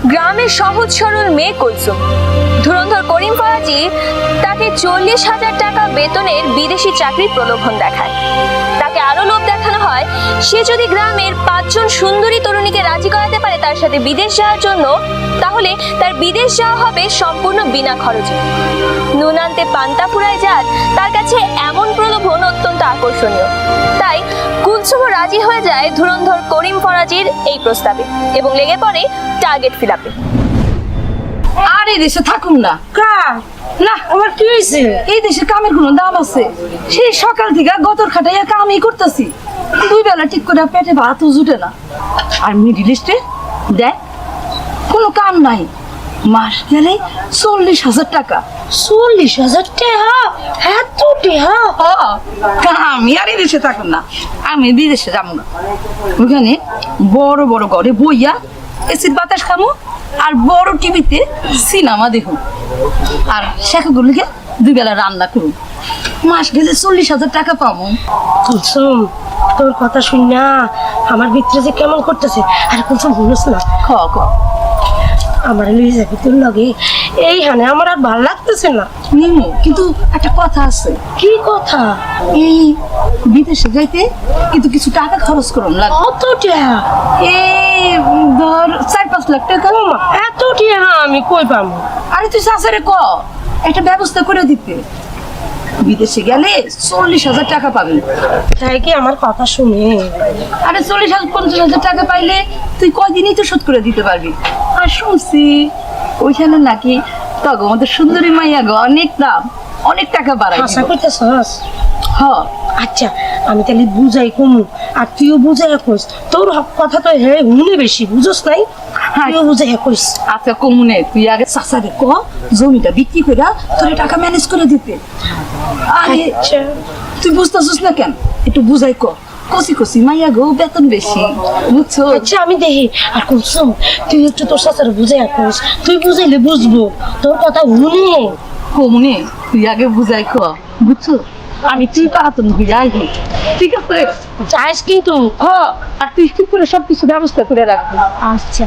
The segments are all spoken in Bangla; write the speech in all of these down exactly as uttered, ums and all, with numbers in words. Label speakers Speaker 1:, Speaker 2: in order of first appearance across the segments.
Speaker 1: গ্রামের সহজ সরল মেয়ে কুলসুম। ধুরন্ধর করিম ফরাজি তাকে চল্লিশ হাজার টাকা বেতনের বিদেশি চাকরির প্রলোভন দেখায়। তাকে আরো লোভ দেখানো হয়, সে যদি গ্রামের পাঁচজন সুন্দরী তরুণীকে রাজি করাতে পারে তার সাথে বিদেশ যাওয়ার জন্য, তাহলে তার বিদেশ যাওয়া হবে সম্পূর্ণ বিনা খরচে। নুন আনতে পান্তা ফুরায় যার, তার কাছে এমন প্রলোভন অত্যন্ত আকর্ষণীয়। তাই কুলসুমও রাজি হয়ে যায় ধুরন্ধর করিম ফরাজির এই প্রস্তাবে এবং লেগে পড়ে টার্গেট ফিলাপে।
Speaker 2: আর এই দেশে থাকুন না।
Speaker 3: কা না আমার কি হয়েছে?
Speaker 2: এই দেশে কামের কোনো দাম আছে? সেই সকাল থেকে গতর খাটাইয়া কামই করতেছি, দুই বেলা ঠিক করে পেটে ভাতও জুটে না। আর মিডিল ইস্টে দেখ কোনো কাম নাই, মাস গেলে চল্লিশ হাজার টাকা।
Speaker 3: চল্লিশ হাজার টাকা? এত টাকা?
Speaker 2: আমি আর এই দেশে থাকুন না, আমি বিদেশে যাবো না। ওখানে বড় বড় ঘরে বইয়া এসির বাতাস খামো আর বড় টিভিতে সিনেমা দেখুন, আর শেখাগুলোকে দুই বেলা রান্না করুন। মাস গেলে চল্লিশ হাজার টাকা পাবো।
Speaker 3: কুলসুম, তোর কথা শুন না আমার ভিতরে যে কেমন করতেছে। আর কুলসুম বলিস না,
Speaker 2: খ খ
Speaker 3: আমার লুই যাবি তোর লগে এই হানে আমার আর ভালো লাগতেছে না।
Speaker 2: নিমু, কিন্তু একটা কথা আছে।
Speaker 3: কি কথা?
Speaker 2: এই বিদেশে যাইতে কিন্তু কিছু টাকা খরচ করুন লাগবে।
Speaker 3: কত টাকা?
Speaker 2: এই ধর চার পাঁচ লাখ টাকা।
Speaker 3: ওমা, এত টাকা আমি কই পাবো?
Speaker 2: আরে তুই শাশুড়ি ক একটা ব্যবস্থা করে দিতে, বিদেশে গেলে চল্লিশ হাজার টাকা পাবি।
Speaker 3: তাই কি আমার কথা শুনে?
Speaker 2: আরে চল্লিশ হাজার পঞ্চাশ হাজার টাকা পাইলে তুই কয়দিনই তো শোধ করে দিতে পারবি। আর শুনছি ওইখানে নাকি তখন আমাদের সুন্দরী মাইয়া গো অনেক দাম, অনেক টাকা বাড়াই
Speaker 3: আশা করতেছস?
Speaker 2: হ।
Speaker 3: আচ্ছা আমি তাহলে বুঝাই কমু আর তুইও বুঝাই কইস। তোর কথা তো হে হুনে বেশি বুঝস নাই, তুইও বুঝাই কইস।
Speaker 2: আচ্ছা কমুনে তুই আগে চাচারে ক জমিটা বিক্রি করে তোর টাকা ম্যানেজ করে দিতে। আরে
Speaker 3: আচ্ছা
Speaker 2: তুই বুঝতেছিস না কেন, একটু বুঝাই ক। কষি কষি মাইয়া গো বেতন বেশি, বুঝছো?
Speaker 3: আচ্ছা আমি দেখি। আর কুলসুম তুই একটু তোর সাথে বুঝাই কইস, তুই বুঝাইলে বুঝবো। তোর কথা হুনে
Speaker 2: কমুনে তুই আগে বুঝাই ক, বুঝছো? আমি তুই পাতন বুঝাই, ঠিক আছে?
Speaker 3: চাইস কিন্তু।
Speaker 2: হ, আর তুই ঠিক করে সবকিছু ব্যবস্থা করে রাখবি।
Speaker 3: আচ্ছা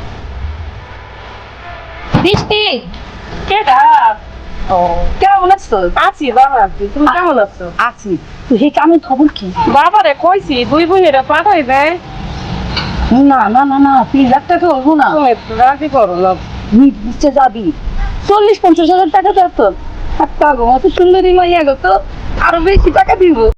Speaker 2: বৃষ্টি কেডা? ও কেমন আছো?
Speaker 4: আছি বাবা, তুমি কেমন আছো?
Speaker 2: আছি। তুই এই কামের খবর কি?
Speaker 4: বাবারে কইছি দুই বোনেরা পাঠাই দেয়।
Speaker 2: না না না না তিন লাখ টাকা হবো না,
Speaker 4: তুমি রাজি করো না।
Speaker 2: নিচে যাবি চল্লিশ পঞ্চাশ হাজার টাকা দরকার। একটা গো অত সুন্দরী মাইয়া গো তো আরো বেশি টাকা দিব।